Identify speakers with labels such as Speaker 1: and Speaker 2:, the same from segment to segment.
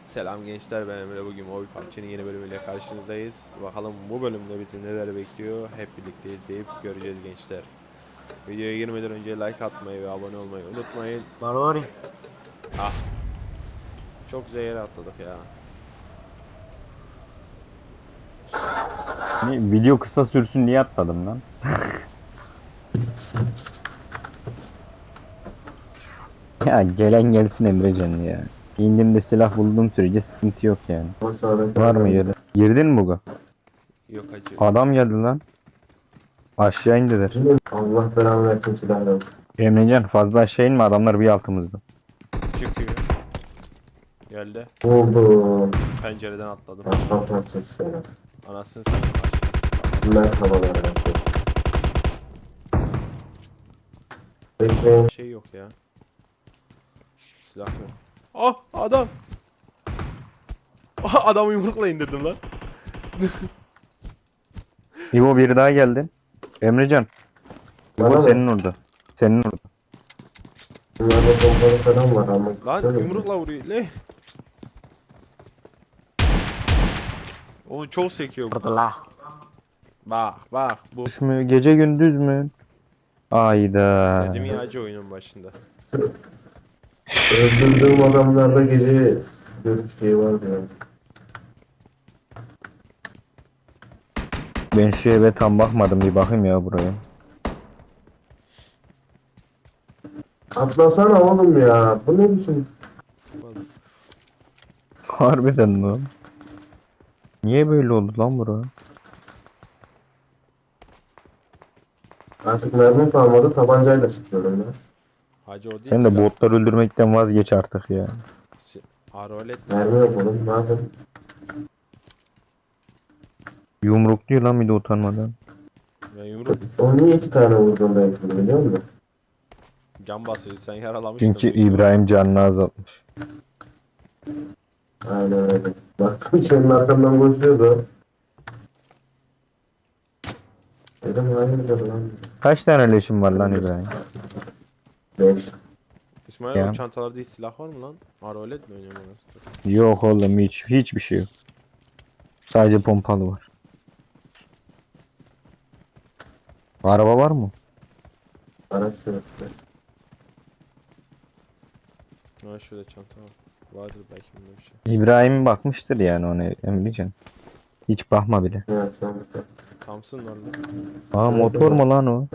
Speaker 1: Selam gençler, ben Emre. Bugün Mobile PUBG'nin yeni bölümüyle karşınızdayız. Bakalım bu bölümde bizi neler bekliyor, hep birlikte izleyip göreceğiz gençler. Videoya girmeden önce like atmayı ve abone olmayı unutmayın.
Speaker 2: Marori.
Speaker 1: Ah, çok zehir atladık ya.
Speaker 2: Video kısa sürsün diye atmadım lan. Ya gelen gelsin Emrecan ya. İndiğimde silah bulduğum sürece sıkıntı yok yani. Var mı yeri? Girdin mi bu?
Speaker 1: Yok acı.
Speaker 2: Adam geldi lan. Aşağı indiler.
Speaker 3: Allah belanı versin silahları.
Speaker 2: Emrecan fazla aşağı inme, adamlar bir altımızda.
Speaker 1: Çıkıyor. Geldi.
Speaker 3: Oldu.
Speaker 1: Pencereden atladım.
Speaker 3: Aslan parçası seni.
Speaker 1: Anasını satayım.
Speaker 3: Merhabalar yaptı. Bekleyin.
Speaker 1: Şey yok ya. Silah yok. Ah, adam. Ah, adamı yumrukla indirdim lan.
Speaker 2: İbo biri daha geldi. Emrecan.
Speaker 3: Bana
Speaker 2: İbo
Speaker 3: mı?
Speaker 2: senin orada. Senin orada.
Speaker 3: Bunlarda bombalı falan var ama.
Speaker 1: Lan
Speaker 3: Şöyle mi?
Speaker 1: yumrukla vuruyor. Le. Onu çok sekiyor.
Speaker 2: Orada.
Speaker 1: Bak bu.
Speaker 2: Düş mü? Gece gündüz mü? Ayda.
Speaker 1: Dedim ya acı oyunun başında.
Speaker 3: Öldürdüğüm adamlarda gece görüş şeyi var diyor.
Speaker 2: Ben şu eve tam bakmadım, bir bakayım ya buraya.
Speaker 3: Atlasana oğlum ya. Bu ne biçim?
Speaker 2: Harbiden lan. Niye böyle oldu lan bura?
Speaker 3: Artık mermi kalmadı. Tabancayla sıkıyorum ya.
Speaker 1: Hacı o değil
Speaker 2: Sen de
Speaker 1: silah.
Speaker 2: botlar öldürmekten vazgeç artık ya.
Speaker 1: Arolet
Speaker 3: Mermi yok oğlum. Ne yapayım?
Speaker 2: Yumrukluyor lan bir de utanmadan.
Speaker 1: ya yumruk
Speaker 3: Onu niye iki tane vurdum ben biliyor musun?
Speaker 1: can basıyor, sen yaralamıştın.
Speaker 2: Çünkü
Speaker 1: büyük ihtimal.
Speaker 2: İbrahim canını azaltmış.
Speaker 3: Aynen öyle. Baktım senin arkandan koşuyordu. Dedim hayırdır lan.
Speaker 2: Kaç tane leşin var lan İbrahim?
Speaker 3: 5.
Speaker 1: İsmail
Speaker 2: Ya.
Speaker 1: o çantalarda hiç silah var mı lan? Arolet mi oynuyorsun anasını?
Speaker 2: Yok oğlum, hiçbir şey yok. Sadece pompalı var. Araba var mı?
Speaker 3: Araç sürüktü.
Speaker 1: Ha şurada çanta var. Vardır belki bunda bir şey.
Speaker 2: İbrahim bakmıştır yani ona, Emrecan. Hiç bakma bile.
Speaker 3: Evet sen de.
Speaker 1: Thompson var lan.
Speaker 2: Aa, motor mu lan o?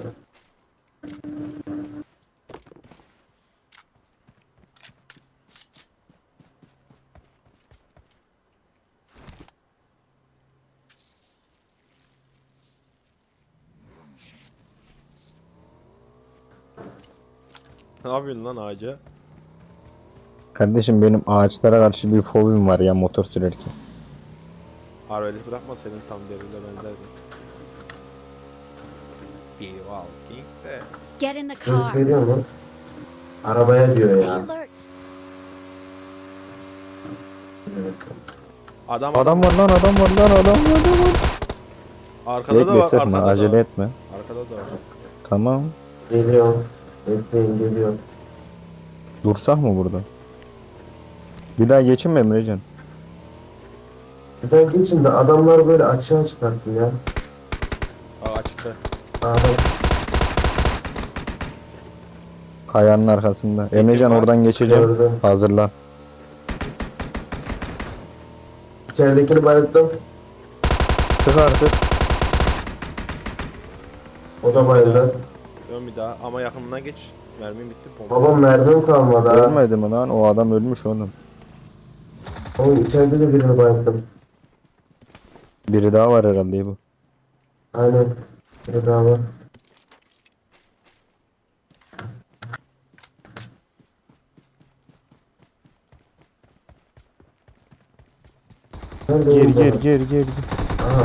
Speaker 1: Ne yapıyorsun lan ağaca?
Speaker 2: Kardeşim benim ağaçlara karşı bir fobim var ya, motor sürerken.
Speaker 1: Arolet bırakmasaydın tam derine benzerdi. The Walking Dead.
Speaker 4: Get in the
Speaker 3: Ses
Speaker 4: car.
Speaker 3: veriyor mu? Arabaya diyor
Speaker 4: Stay
Speaker 3: ya.
Speaker 4: alert.
Speaker 3: Evet.
Speaker 2: Adam var lan, adam var lan, adam var, adam var.
Speaker 1: Arkada da
Speaker 2: Bekle,
Speaker 1: var,
Speaker 2: sıkma,
Speaker 1: arkada da
Speaker 2: acele
Speaker 1: var.
Speaker 2: etme.
Speaker 1: Arkada da var.
Speaker 2: Tamam.
Speaker 3: Geliyor. Bekleyin geliyor.
Speaker 2: Dursak mı burada? Bir daha geçin mi Emrecan?
Speaker 3: Bir tane geçin de adamlar böyle açığa çıkartın ya.
Speaker 1: Aa açıkta.
Speaker 3: Adam
Speaker 2: Kayanın arkasında. Emrecan
Speaker 1: var.
Speaker 2: oradan geçeceğim.
Speaker 3: gördüm.
Speaker 2: Hazırlan.
Speaker 3: İçeridekini bayılttım.
Speaker 2: Çık artık.
Speaker 3: O da bayıldı.
Speaker 1: Dön bir daha ama yakınına geç. Mermim bitti pompa.
Speaker 3: Babam mermim kalmadı ha.
Speaker 2: Ölmedi mi lan? O adam ölmüş oğlum.
Speaker 3: Oğlum içeride de birini bayılttım.
Speaker 2: Biri daha var herhalde bu.
Speaker 3: Aynen. Biri daha var. Nerede
Speaker 2: Gir
Speaker 3: oğlum
Speaker 2: gir
Speaker 3: bu?
Speaker 2: gir gir.
Speaker 3: Aha.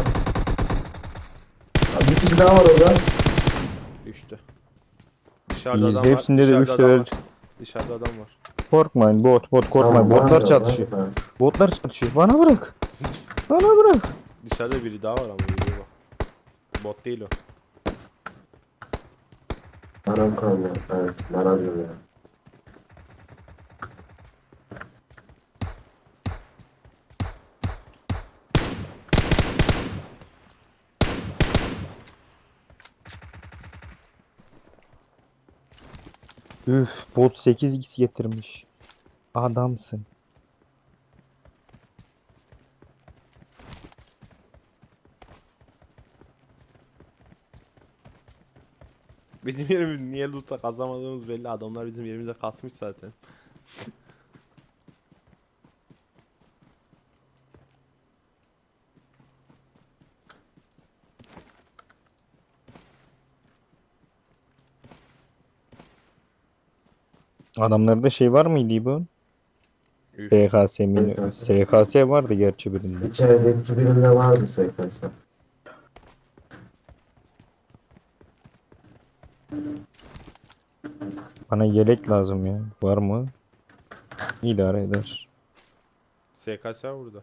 Speaker 3: Bir kişi daha var orada.
Speaker 1: Düştü. Dışarıda
Speaker 2: İyiyiz.
Speaker 1: adam var.
Speaker 2: Hepsinde de
Speaker 1: Dışarıda
Speaker 2: 3
Speaker 1: adam
Speaker 2: level.
Speaker 1: var. Dışarıda adam var.
Speaker 2: Korkmayın bot korkmayın.
Speaker 3: Tamam,
Speaker 2: Botlar
Speaker 3: var ya,
Speaker 2: çatışıyor.
Speaker 3: var ya.
Speaker 2: Botlar çatışıyor. Bana bırak. Bana bırak.
Speaker 1: Dışarıda biri daha var ama yürüyor bak. Bot değil o.
Speaker 3: Param kalmadı. Evet, bana diyor ya.
Speaker 2: Üf, bot 8x getirmiş. Adamsın.
Speaker 1: Bizim yerimiz niye loot'a kazamadığımız belli. Adamlar bizim yerimize kasmış zaten.
Speaker 2: Adamlarda şey var mıydı bu?
Speaker 1: Üf.
Speaker 2: SKS mi? SKS vardı gerçi birinde.
Speaker 3: İçerideki birinde vardı SKS.
Speaker 2: Bana yelek lazım ya. Var mı? İdare eder.
Speaker 1: SKS var burada.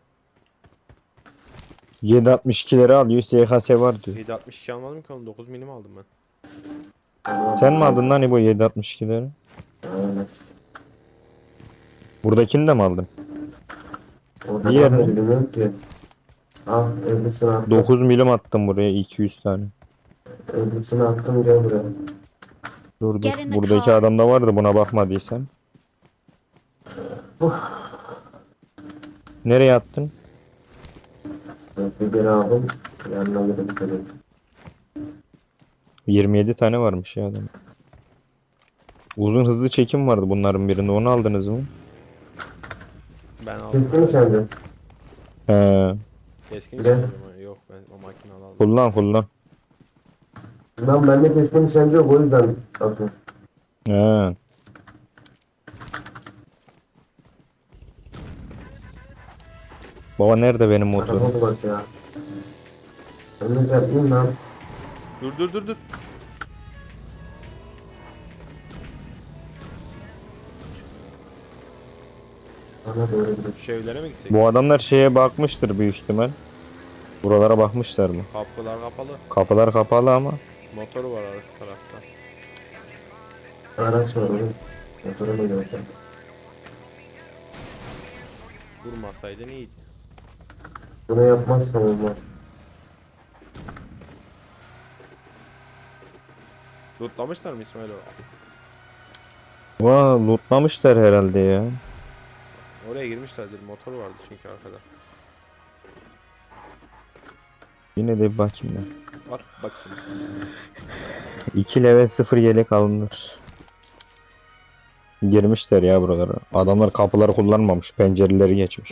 Speaker 2: 7.62'leri alıyor. SKS var diyor.
Speaker 1: 7.62 almadım ki oğlum, 9 milim aldım ben.
Speaker 2: Sen mi aldın lan bu 7.62'leri?
Speaker 3: Aynen.
Speaker 2: Buradakini de mi aldın?
Speaker 3: Orada
Speaker 2: Diğer
Speaker 3: da
Speaker 2: ne?
Speaker 3: bilmiyorum ki. Al 50'sini attım.
Speaker 2: 9 milim attım buraya 200 tane.
Speaker 3: 50'sini attım gel buraya.
Speaker 2: Dur dur.
Speaker 4: Get in the
Speaker 2: Buradaki
Speaker 4: car.
Speaker 2: adamda vardı buna bakmadıysan. Nereye attın?
Speaker 3: Evet, bir geri aldım. Yanına gidip dedim.
Speaker 2: 27 tane varmış ya adam. Uzun hızlı çekim vardı bunların birinde. Onu aldınız mı?
Speaker 1: Ben aldım.
Speaker 3: Keskin mi sence?
Speaker 2: He.
Speaker 1: Keskin
Speaker 3: Ne?
Speaker 1: nişancı mı? Yok, ben o makinalı aldım.
Speaker 2: Kullan kullan.
Speaker 3: Lan bende keskin nişancı yok o yüzden atıyorum.
Speaker 2: He. Baba nerede benim motorum?
Speaker 3: Araba bak ya. Ben de çarpayım lan.
Speaker 1: Dur dur dur dur.
Speaker 3: Bana doğru gidiyor.
Speaker 1: Şu evlere mi gitsek?
Speaker 2: Bu adamlar şeye bakmıştır büyük ihtimal. Buralara bakmışlar mı?
Speaker 1: Kapılar kapalı.
Speaker 2: Kapılar kapalı ama.
Speaker 1: Motoru var arka tarafta.
Speaker 3: Araç var oğlum. Motora mı gidiyor?
Speaker 1: Vurmasaydın iyiydi.
Speaker 3: Bunu yapmazsam olmaz.
Speaker 1: Lootlamışlar mı İsmail o?
Speaker 2: Vaa lootlamışlar herhalde ya.
Speaker 1: Oraya girmişlerdir. Motoru vardı çünkü arkada.
Speaker 2: Yine de bir bakayım ben.
Speaker 1: Bak bakayım.
Speaker 2: 2 level 0 yelek alınır. Girmişler ya buralara. Adamlar kapıları kullanmamış. Pencereleri geçmiş.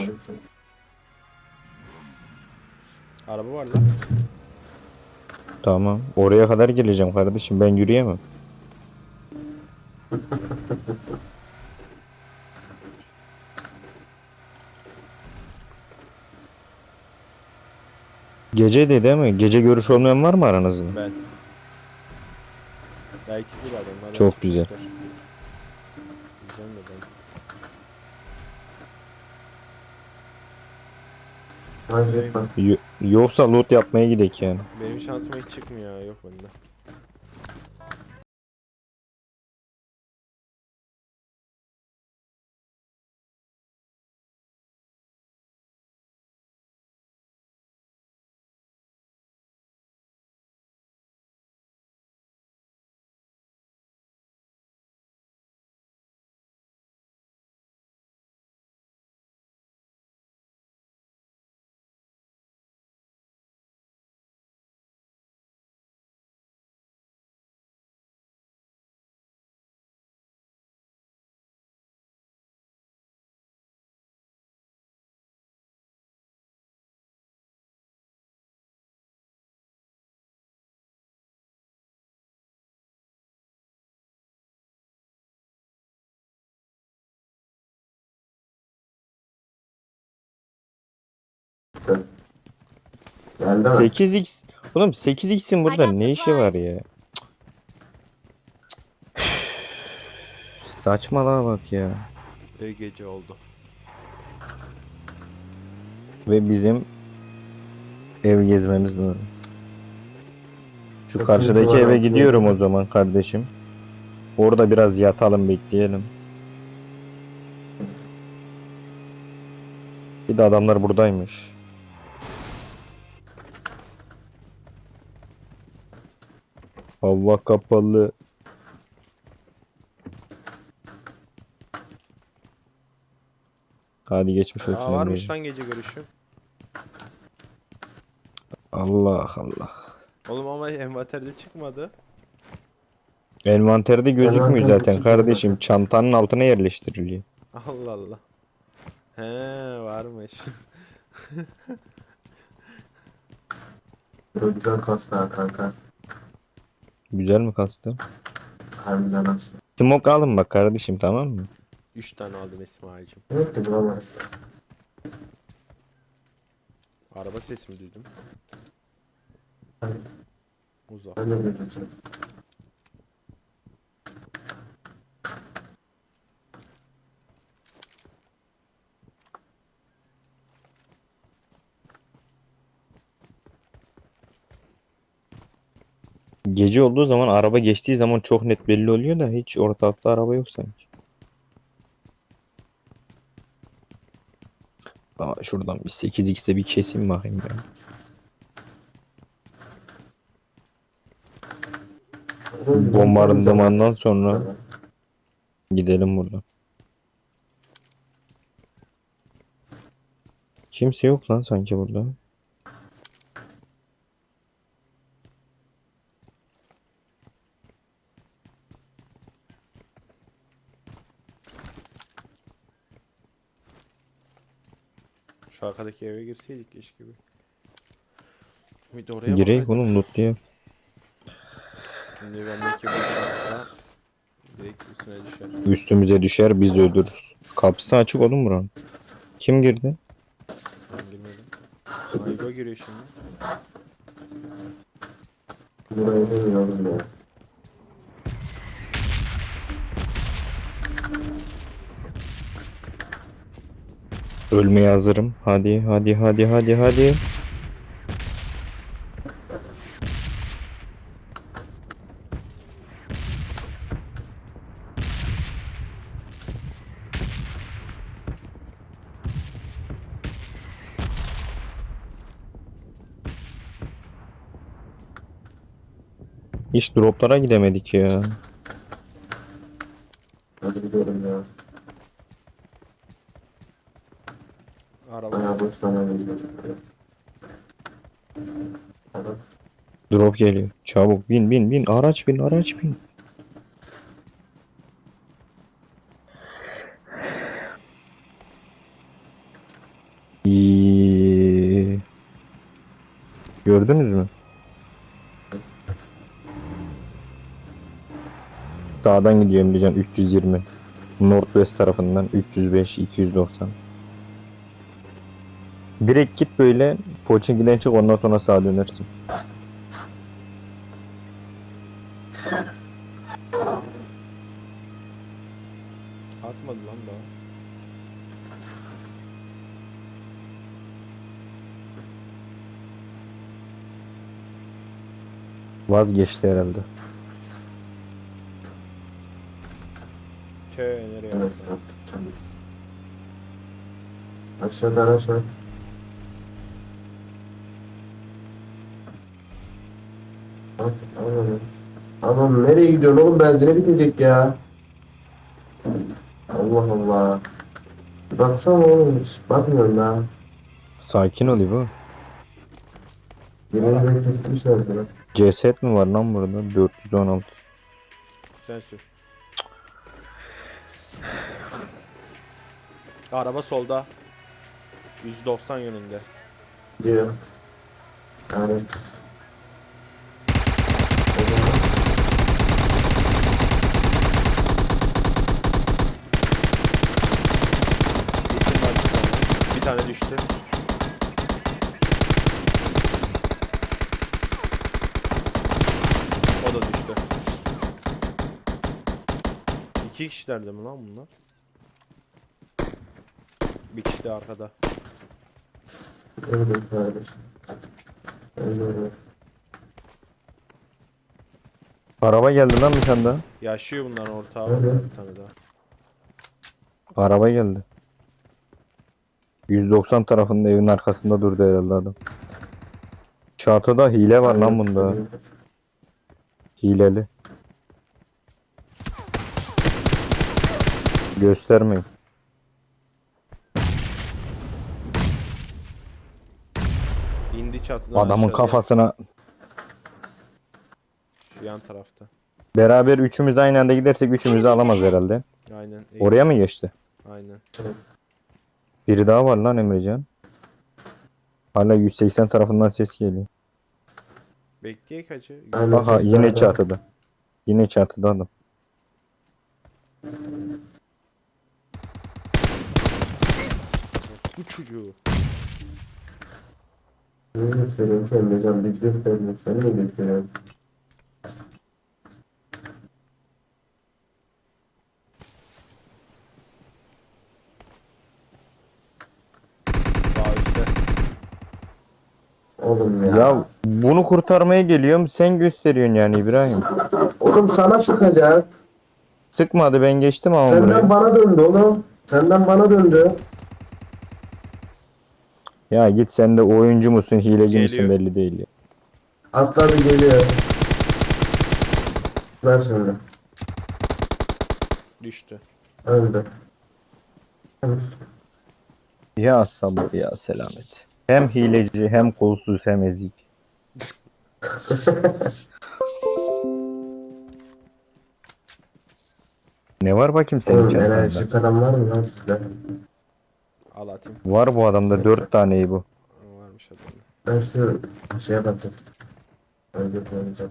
Speaker 1: Araba var lan.
Speaker 2: Tamam. Oraya kadar geleceğim kardeşim. Ben yürüyemem. Gece de değil mi? Gece görüş olmayan var mı aranızda?
Speaker 1: Ben. Belki bir adamlar.
Speaker 2: Çok güzel.
Speaker 1: Diyeceğim de ben.
Speaker 3: Hacı bak.
Speaker 2: Yoksa loot yapmaya gidek yani.
Speaker 1: Benim şansıma hiç çıkmıyor ya. Yok bende.
Speaker 3: Geldi mi?
Speaker 2: 8x. Oğlum 8x'in burada
Speaker 4: I got
Speaker 2: ne işi var
Speaker 4: supplies.
Speaker 2: ya? Saçmalığa bak ya.
Speaker 1: Ve gece oldu.
Speaker 2: Ve bizim ev gezmemiz lazım. Şu
Speaker 3: Çok
Speaker 2: karşıdaki
Speaker 3: iyi
Speaker 2: eve
Speaker 3: var,
Speaker 2: gidiyorum o
Speaker 3: evet.
Speaker 2: zaman kardeşim. Orada biraz yatalım bekleyelim. Bir de adamlar buradaymış. Hava kapalı. Hadi geçmiş olsun
Speaker 1: Aa, varmış
Speaker 2: Emre'ciğim.
Speaker 1: lan gece görüşü.
Speaker 2: Allah Allah.
Speaker 1: Oğlum ama envanterde çıkmadı.
Speaker 2: Envanterde gözükmüyor
Speaker 3: Envanterde
Speaker 2: zaten
Speaker 3: çıkmıyor
Speaker 2: kardeşim.
Speaker 3: zaten.
Speaker 2: Çantanın altına yerleştiriliyor.
Speaker 1: Allah Allah. He, varmış.
Speaker 3: Böyle güzel kastı ha kanka.
Speaker 2: Güzel mi kastı?
Speaker 3: Harbiden nasıl?
Speaker 2: Smoke alın bak kardeşim, tamam mı?
Speaker 1: 3 tane aldım İsmail'cim.
Speaker 3: Evet ki bulamayız.
Speaker 1: Araba sesi mi duydum?
Speaker 3: Hayır,
Speaker 1: Uzak.
Speaker 3: ben de bilmiyorum.
Speaker 2: Gece olduğu zaman, araba geçtiği zaman çok net belli oluyor da hiç ortalıkta araba yok sanki. Aa, şuradan bir 8x'te bir kesim bakayım ben. Bombardımandan sonra gidelim buradan. Kimse yok lan sanki burada.
Speaker 1: Şu arkadaki eve girseydik keşke bir. Bir de oraya
Speaker 2: Gireyim
Speaker 1: bakaydım.
Speaker 2: oğlum, loot diye.
Speaker 1: Şimdi bendeki bu şansla direkt üstüne düşer.
Speaker 2: Üstümüze düşer, biz ölürüz. Kapısı açık oğlum buranın. Kim girdi?
Speaker 1: Ben girmedim. Ayba giriyor şimdi.
Speaker 3: Burayı demiyorum ya.
Speaker 2: Ölmeye hazırım. Hadi hadi hadi hadi hadi. Hiç droplara gidemedik ya.
Speaker 3: Hadi gidelim ya.
Speaker 1: Araba.
Speaker 3: Bayağı boş zaman geçiyor. Adam
Speaker 2: Drop geliyor. Çabuk bin bin bin. Araç bin, araç bin. İyi. Gördünüz mü? Sağdan gidiyorum diyeceğim, 320. Northwest tarafından 305, 290. Direkt git böyle Pochinki'den çık, ondan sonra sağa dönersin.
Speaker 1: Atmadı lan daha.
Speaker 2: Vazgeçti herhalde.
Speaker 1: Nereye
Speaker 3: evet.
Speaker 1: baktın?
Speaker 3: Aşağıda araç var. Bak, Adam, adam nereye gidiyorsun oğlum, benzine bitecek ya. Allah Allah. Baksana oğlum, hiç bakmıyorum daha.
Speaker 2: Sakin ol İbo.
Speaker 3: Yemin ederim gitmişler bana.
Speaker 2: Ceset mi var lan burada? 416.
Speaker 1: Sen sür. Araba solda. 190 yönünde.
Speaker 3: Diyor. Yani.
Speaker 1: Gittim ben bir tane. Bir tane düştü. O da düştü. İki kişilerdi mi lan bunlar? Bir kişi de arkada.
Speaker 3: Evet kardeşim. Öyle.
Speaker 2: Araba geldi lan bir tane daha.
Speaker 1: Yaşıyor bunların ortağı
Speaker 3: Evet.
Speaker 1: var bir tane daha.
Speaker 2: Araba geldi. 190 tarafında, evin arkasında durdu herhalde adam. Çatıda hile var lan bunda. Hileli. Göstermeyin.
Speaker 1: İndi çatıdan
Speaker 2: Adamın
Speaker 1: aşağıya.
Speaker 2: kafasına
Speaker 1: Şu yan tarafta.
Speaker 2: beraber üçümüz aynı anda gidersek üçümüzü alamaz herhalde.
Speaker 1: Aynen.
Speaker 2: Oraya mı geçti?
Speaker 1: Aynen.
Speaker 2: Biri daha var lan Emrecan. Hala 180 tarafından ses geliyor.
Speaker 1: Bekleyek hacı.
Speaker 3: Aynen.
Speaker 2: Aha yine çatıda. Yine çatıda adam.
Speaker 1: Bu çocuğu.
Speaker 3: Ne gösteriyorum ki Emrecan? Bir gösteriyorum. Sen ne gösteriyorsun?
Speaker 1: Sağ üstte.
Speaker 3: Oğlum ya.
Speaker 2: Ya bunu kurtarmaya geliyorum sen gösteriyorsun yani İbrahim.
Speaker 3: Oğlum sana sıkacak.
Speaker 2: Sıkmadı ben geçtim ama
Speaker 3: Senden
Speaker 2: buraya.
Speaker 3: bana döndü oğlum. Senden bana döndü.
Speaker 2: Ya git sen de oyuncu musun hileci misin
Speaker 1: Geliyor.
Speaker 2: belli değil ya.
Speaker 3: Atladı geliyor. Ver şimdi.
Speaker 1: Düştü.
Speaker 3: Öldü.
Speaker 2: Ya sabır ya selamet. Hem hileci hem kolsuz hem ezik. Ne var bakayım senin
Speaker 3: Oğlum
Speaker 2: çantanda?
Speaker 3: enerji falan var mı lan sizde?
Speaker 1: Al atayım.
Speaker 2: Var bu adamda 4 taneyi bu.
Speaker 1: Varmış adamda.
Speaker 3: Ben şu şeye bakayım. Önce koyacağım.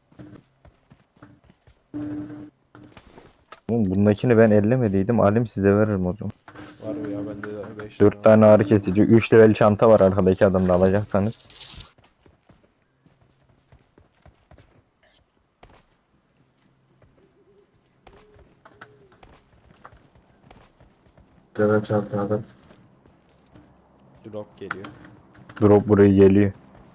Speaker 2: Oğlum bundakini ben ellemediydim. Alim size veririm o zaman.
Speaker 1: Var mı ya bende de 5
Speaker 2: 4 tane ağrı kesici. 3 level çanta var arkadaki adamda alacaksanız.
Speaker 3: Level çanta adam.
Speaker 1: Drop geliyor.
Speaker 2: Drop buraya geliyor.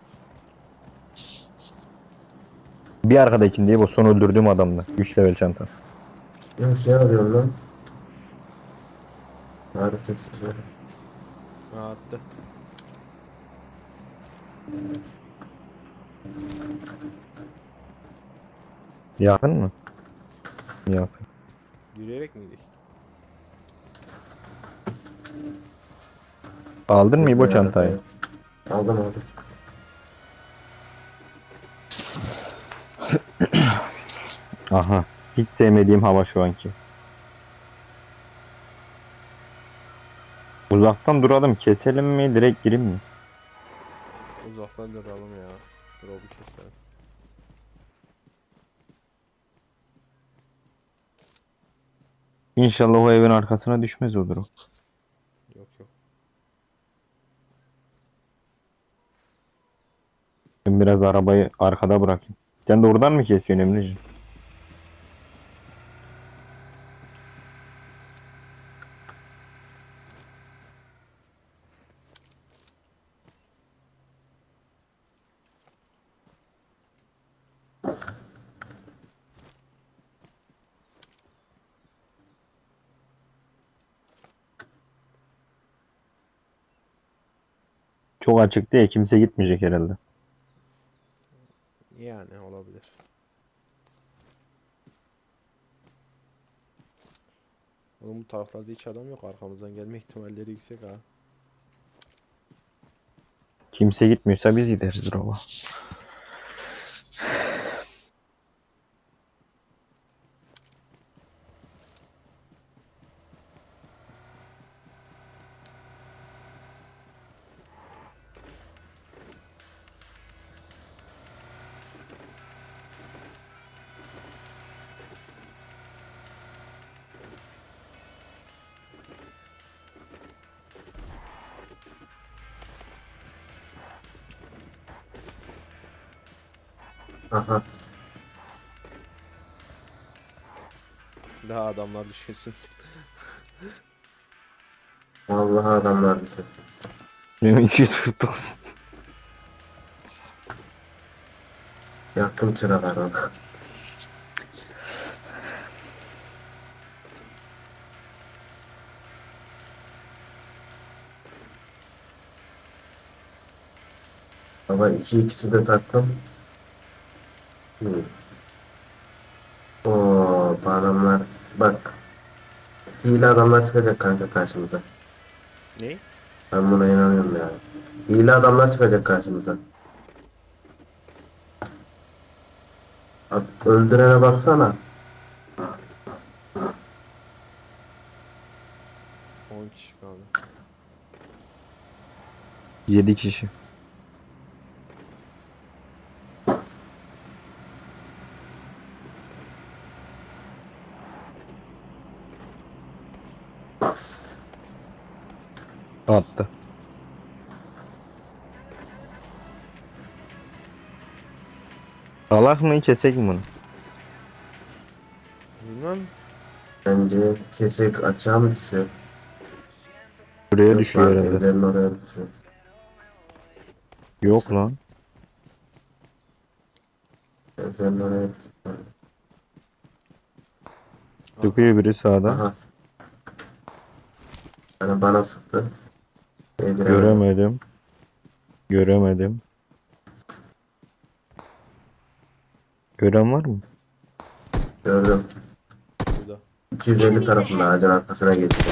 Speaker 2: Bir arkadakinde değil bu son öldürdüğüm adamda. 3 level çanta.
Speaker 3: Ne şey arıyorum lan. Harika sıçrıyor.
Speaker 1: Ha attı.
Speaker 2: Yakın mı? Yakın.
Speaker 1: Yürüyerek miydik?
Speaker 2: Aldın mı bu çantayı?
Speaker 3: Aldım aldım.
Speaker 2: Aha. Hiç sevmediğim hava şu anki. Uzaktan duralım. Keselim mi? Direkt gireyim mi?
Speaker 1: Uzaktan duralım ya. Drop'u keselim.
Speaker 2: İnşallah o evin arkasına düşmez o drop.
Speaker 1: Yok yok.
Speaker 2: Ben biraz arabayı arkada bırakayım. Sen de oradan mı kesiyorsun Emre'ciğim? Çok açık değil. Kimse gitmeyecek herhalde.
Speaker 1: Yani olabilir. Oğlum bu taraflarda hiç adam yok. Arkamızdan gelme ihtimalleri yüksek ha.
Speaker 2: Kimse gitmiyorsa biz gideriz drop'a.
Speaker 3: Aha.
Speaker 1: Daha adamlar düşünsün.
Speaker 3: Vallahi adamlar düşüyor.
Speaker 2: Benim 249.
Speaker 3: Yaktım çıralar ona. Baba ikisi de taktım. Oo, bu adamlar bak. Hile adamlar çıkacak kanka karşımıza.
Speaker 1: Ne?
Speaker 3: Ben buna inanıyorum ya. Hile adamlar çıkacak karşımıza. Bak, öldürene baksana.
Speaker 1: 10 kişi kaldı.
Speaker 2: 7 kişi. Attı. Salak mı kesek mi bunu?
Speaker 1: Bilmem.
Speaker 3: Bence kesik açığa mı düşüyor?
Speaker 2: Buraya
Speaker 3: Yok
Speaker 2: düşüyor
Speaker 3: lan,
Speaker 2: herhalde.
Speaker 3: evlerin oraya düşüyor.
Speaker 2: Yok lan.
Speaker 3: Evlerin oraya düşüyor.
Speaker 2: Çıkıyor biri sağda.
Speaker 3: Aha. Yani bana sıktı. Değdiremedim.
Speaker 2: Göremedim. Göremedim. Gören var mı?
Speaker 3: Gördüm.
Speaker 1: Burada.
Speaker 3: 250 tarafında ağacın arkasına geçti.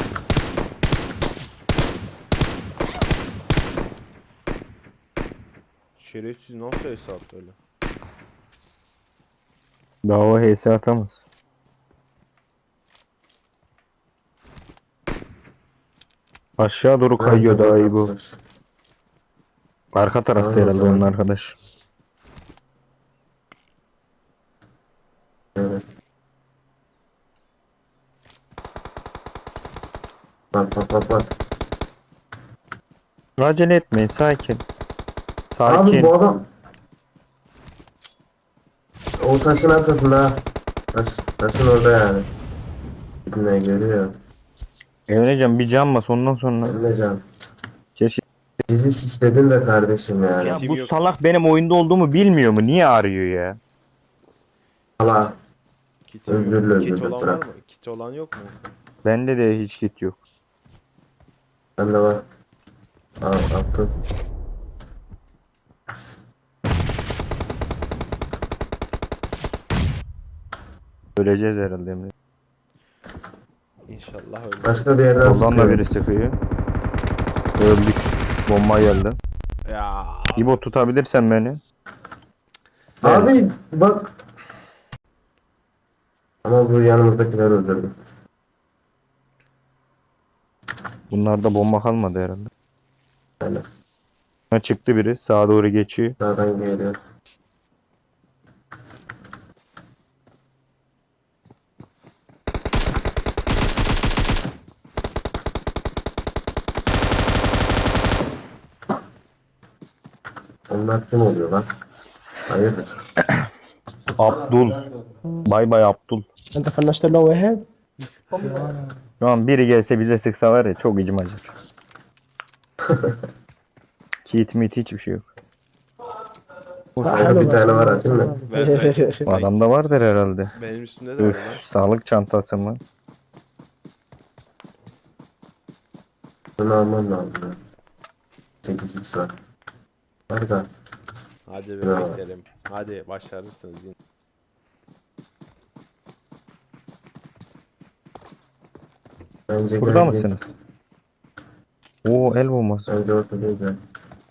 Speaker 1: Şerefsiz nasıl hesap öyle?
Speaker 2: Daha o HS atamaz. Aşağı doğru kayıyor daha iyi bu. Arka tarafta
Speaker 3: Tamam,
Speaker 2: herhalde
Speaker 3: tamam.
Speaker 2: onun arkadaş.
Speaker 3: Evet. Bak bak bak bak.
Speaker 2: Acele etmeyin, sakin.
Speaker 3: Abi
Speaker 2: Sakin.
Speaker 3: bu adam o taşın arkasında ha. Taşın orada yani. Ne görüyor?
Speaker 2: Emrecan bir can bas ondan sonra.
Speaker 3: Emrecan.
Speaker 2: Keşke.
Speaker 3: Bizi istedin de kardeşim yani.
Speaker 2: Ya
Speaker 1: Kitim
Speaker 2: bu
Speaker 1: yok.
Speaker 2: salak benim oyunda olduğumu bilmiyor mu? Niye arıyor ya?
Speaker 3: Allah.
Speaker 1: Kitim yok.
Speaker 3: Özürlü
Speaker 1: Kit
Speaker 3: özürlü
Speaker 1: olan var
Speaker 3: bırak.
Speaker 1: mı? Kit olan yok mu?
Speaker 2: Bende de hiç kit yok.
Speaker 3: Bende var. Al attım.
Speaker 2: Öleceğiz herhalde Emre.
Speaker 1: İnşallah öyle.
Speaker 3: Başka bir yerden
Speaker 2: Soldan da
Speaker 3: sıkıyor.
Speaker 2: biri sıkıyor. Öldük. Bomba geldi.
Speaker 1: Ya
Speaker 2: İbo tutabilirsen beni.
Speaker 3: Abi bak. Ama bu yanımızdakiler öldürdü.
Speaker 2: Bunlarda bomba kalmadı herhalde.
Speaker 3: Yani
Speaker 2: Ha, çıktı biri. Sağa doğru geçiyor.
Speaker 3: sağdan geliyor. Onlar kim oluyor lan? Hayırdır?
Speaker 2: Abdul. Bay bay Abdul.
Speaker 4: انت فنشت له واحد
Speaker 2: Şu an biri gelse bize sıksa var ya çok içim acır. Kit mit hiçbir şey yok.
Speaker 3: Bir tane var atayım mı?
Speaker 2: Bu adamda vardır herhalde.
Speaker 1: benim üstümde de var
Speaker 2: Üf,
Speaker 1: lan.
Speaker 2: sağlık çantası mı?
Speaker 3: Bunu almam lazım. 8x var. Var da.
Speaker 1: Hadi
Speaker 3: Ya.
Speaker 1: bebeklerim. Hadi başarırsınız yine.
Speaker 3: Bence
Speaker 2: Burada
Speaker 3: gel,
Speaker 2: mısınız? Oo el bombası.
Speaker 3: Bence orta değil de.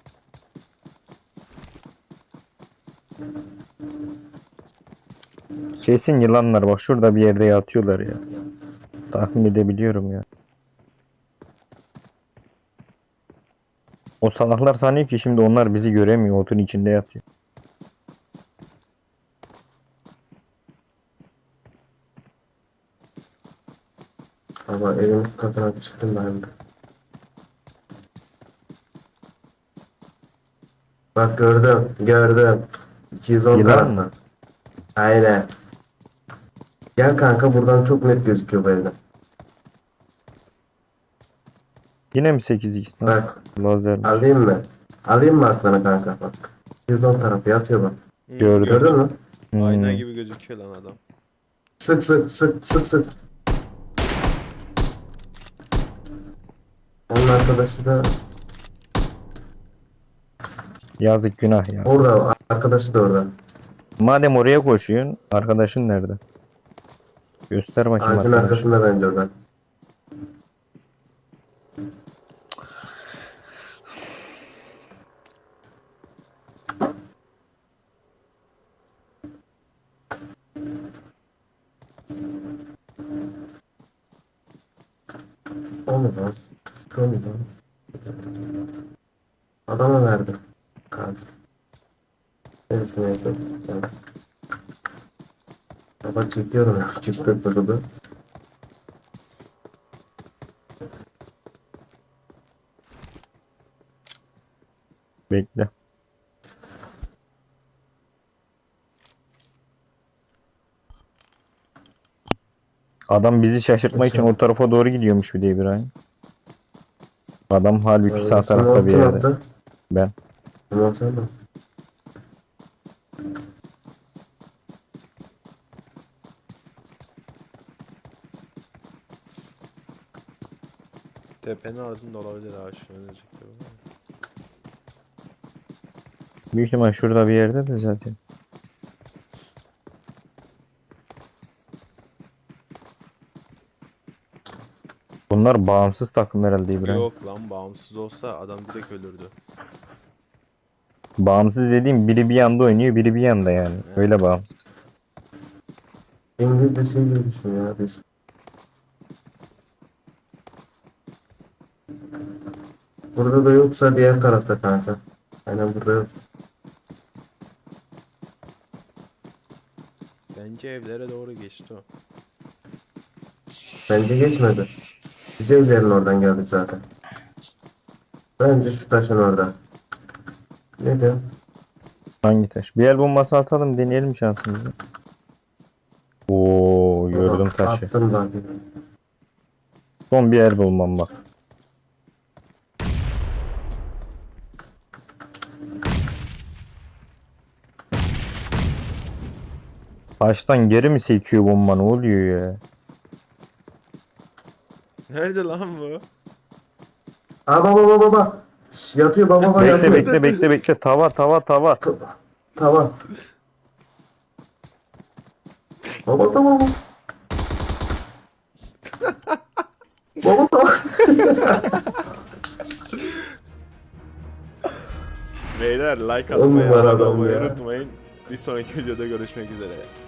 Speaker 2: Kesin yılanlar bak şurada bir yerde yatıyorlar ya. Tahmin edebiliyorum ya. O salaklar sanıyor ki şimdi onlar bizi göremiyor. Otun içinde yatıyor.
Speaker 3: Ama evin üst katına bir çıktım ben de. Bak gördüm. Gördüm. 210
Speaker 2: Yılan
Speaker 3: taraftan.
Speaker 2: mı?
Speaker 3: Aynen. Gel kanka buradan çok net gözüküyor bu evden.
Speaker 2: Yine mi 8x lan?
Speaker 3: Bak
Speaker 2: Lazer.
Speaker 3: alayım mı? Alayım mı aklına kanka bak. 210 tarafı yatıyor bak.
Speaker 2: Gördüm.
Speaker 3: Gördün mü?
Speaker 1: Ayna
Speaker 2: Hmm.
Speaker 1: gibi gözüküyor lan adam.
Speaker 3: Sık sık sık sık sık. Onun arkadaşı da
Speaker 2: Yazık günah ya.
Speaker 3: orada. Arkadaşı da orada.
Speaker 2: Madem oraya koşuyorsun, arkadaşın nerede? Göster bakayım
Speaker 3: Ağacın
Speaker 2: arkadaş.
Speaker 3: arkasında bence orada. lan. Sıkıyor lan? Adama verdim. Kalk. Neresine yapayım? Baba çekiyorum ya. 249'u.
Speaker 2: Bekle. Adam bizi şaşırtmak için o tarafa doğru gidiyormuş bir de İbrahim. Adam halbuki sağ tarafta bir yerde. Ben.
Speaker 3: Ulan sen de.
Speaker 1: Tepenin ardında olabilir ha şu an önecekte.
Speaker 2: Büyük ihtimal şurada bir yerde de zaten. Bunlar bağımsız takım herhalde İbrahim.
Speaker 1: Yok lan bağımsız olsa adam direkt ölürdü.
Speaker 2: Bağımsız dediğim biri bir yanda oynuyor, biri bir yanda yani. Öyle bağımsız.
Speaker 3: İngilizce şey gibi düşün ya biz. Burada da yoksa diğer tarafta kanka. Aynen burada yok.
Speaker 1: Bence evlere doğru geçti o.
Speaker 3: Bence geçmedi. Biz evlerin oradan geldik zaten. Bence şu taşın orada. Ne diyor?
Speaker 2: Hangi taş? Bir el bombası atalım, deneyelim şansımızı. Oo, gördüm taşı.
Speaker 3: Attım bak.
Speaker 2: Son bir el bulmam bak. Taştan geri mi sekiyor bomba, ne oluyor ya?
Speaker 1: Nerede lan bu?
Speaker 3: Aa baba. Şş, yatıyor baba
Speaker 2: Bekle
Speaker 3: yatıyor.
Speaker 2: bekle. Tava.
Speaker 3: Tamam. Baba tamam. Baba tamam.
Speaker 1: Beyler like
Speaker 3: On
Speaker 1: atmayı,
Speaker 3: numara
Speaker 1: abone
Speaker 3: adam
Speaker 1: olmayı
Speaker 3: ya.
Speaker 1: unutmayın. Bir sonraki videoda görüşmek üzere.